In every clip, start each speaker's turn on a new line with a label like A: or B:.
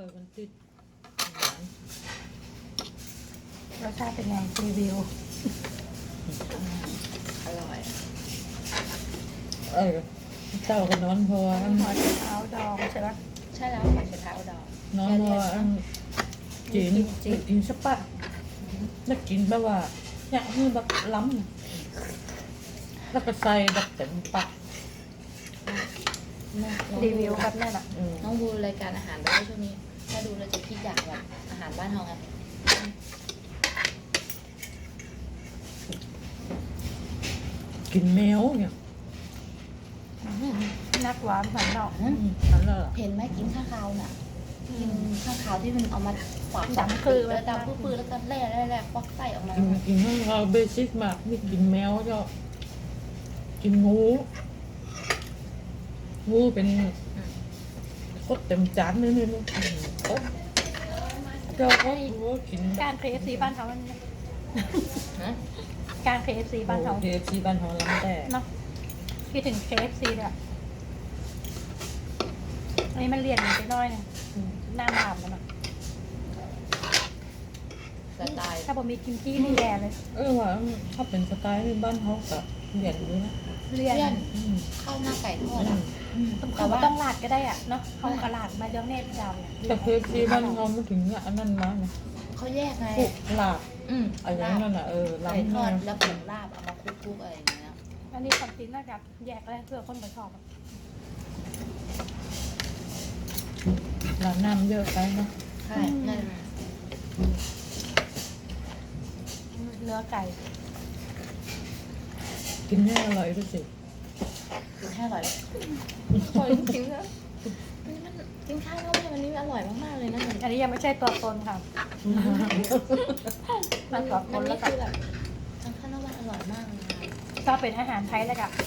A: อยมันติด
B: รสชาติเป็นไงรีวิว
C: อร่อย
A: เจ้าก็นอนเพราะว่า
B: หัวไชเท้าดองใช่ปะ
C: ใช่แล้วผัดกะเพราดอก
A: นอนเพราะว่าจีนกินสปะแล้วกินแบบว่าอยากให้แบบล้ำน่ะแล้วก็ใส่แบบเต็มปาก
B: รีวิวแบบนั่นอ่ะ
C: น้องดูรายการอาหารด้วยช่วงนี้ ถ้าดูเราจะคิดอยากแบบอาหารบ้านเราไง
A: กินแมวเนี่ย
B: นักหวานหันเนาะ
A: นั่นแหละ
C: เห็นไหมกินข้าวขาวน่ะกินข้าวขาวที่มันเอามาฝาก
B: ดำคือ
C: แล้วดำปื้อๆแล้วก็แร่ควักไส้ออกมา
A: กินให้เราเบสิกมากไม่กินแมวก็กินงูเป็นโคตรเต็มจานเลยลูกเจ้าก็กิน
B: การเคเอฟซีบ้านเขามัน
C: ฮะ
B: การเคเอฟซีบ้านเขา
A: เคฟซีบ้านเขาล้ำแต่
B: เนาะคิดถึงเคเอฟซีเลยอันนี้มันเรียนไปน้อยเนี่ยหน้าหนามแล้วเนาะ
C: สไตล์
B: ถ้าผมมีกิมจี้นี่แย่เลย
A: ว่าถ้าเป็นสไตล์บ้านเขาก็เปลี่ยนด้วยนะ
B: เรียน
C: เลี่ยนข้าวหน้าไก่ทอดอ่ะ
B: เขาก็ต้องลาดก็ได้อ่ะเนาะเขากระลาดมาเดี๋ยวเนตดำเนี่ย
A: แต่เคฟซีบ้านเขาไม่ถึงอันนั้นมาไง
C: เขาแยกไง
A: พวกลาบ อะไร
C: ลาบ
A: นั่นน่ะ
C: ไก่ท
A: ล้ำ
C: อ
A: มา
C: ดแล้วผงลาบเอามาคลุกๆอะไรอย่างเงี้ย
B: อันนี้ความจริงน่าจะแยกได้เพื่อคนไปชอบอะ
A: ร้านน้ำเยอะไปเนาะ
C: ใช่นั่น
B: เนื้อไก่
A: กินให้อร่อยด้วยสิ
C: กินแค่อร่อยอร่อยจริงๆนะมันกินข้าวเข้าไปวันนี้อร่อยมากๆเลยนะมัน
B: อันนี้ยังไม่ใช่ตัวตนค่ะมันตัวต
C: มัน
B: นแล้
C: นี่
B: วกั
C: คือแบบทางข้าวหน้ามันอร่อยมากเลยค่ะ
B: ชอบเป็นอาหารไทยแล้วกับ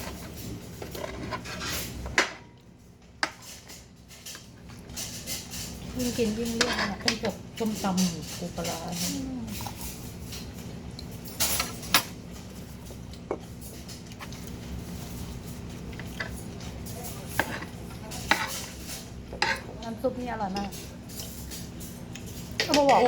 B: ยิ่งกินยิ่งเลี่ยนเนี่ย
A: เป็นกับส้มตำปูปลาร้าเนี่ย
B: น้ำซุปนี่อร่อยมากก็มาบอก
A: โอ้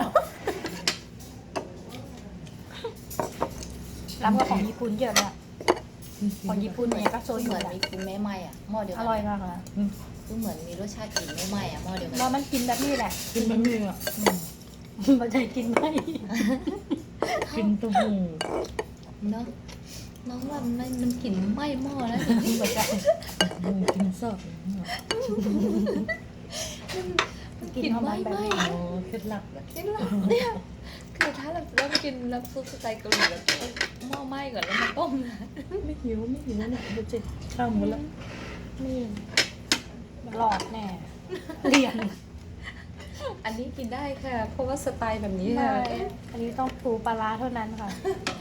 B: ร้านก็ของญี่ปุ่นเยอะเลยอะของญี่ปุ่นเนี่ยก็โซ
C: เห
B: ยุ
C: มือน
B: อะ
C: มีกลินแม่ไหม้อ่ะหม้อเดียว
B: อ
C: กัน
B: ร่อยมากเลย
C: คือเหมือนมีรสชาติกลิ่นแม่ไหม้อ่ะหม้อเดียวกัน
B: แล้วมันกินแบบนี้แหละ
A: กินบะหมี่อ่ะ
B: มันจะกินไม่
A: กินเต้าหู้
C: เนาะน้องว่ามันกลิ่นไหม้หม้อแล้วจริงๆแบบ
A: กินซอส
B: กินของมันแบบนี้
A: โอ้เคล็ดลับเลย
C: กินหลับเนี่ยคือถ้าเรากินน้ำซุปสไตล์เกาหลีแบบหม้อไหม้ก่อนแล้วมาต้มนะ
A: ไม่หิวเนี่ยเดี๋ยวจะข้ามหมดแล้ว
B: นี่หลอดแน่เรียน
C: อันนี้กินได้ค่ะ เพราะว่าสไตล์แบบนี้
B: ใช่
C: ค่ะ
B: อันนี้ต้องปูปลาร้าเท่านั้นค่ะ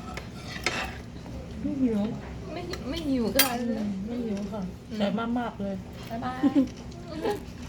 A: ไม่หิว
C: ไม่หิวค่ะ
A: ไม่หิวค่ะแต่มากๆเลย
C: บ๊ายบาย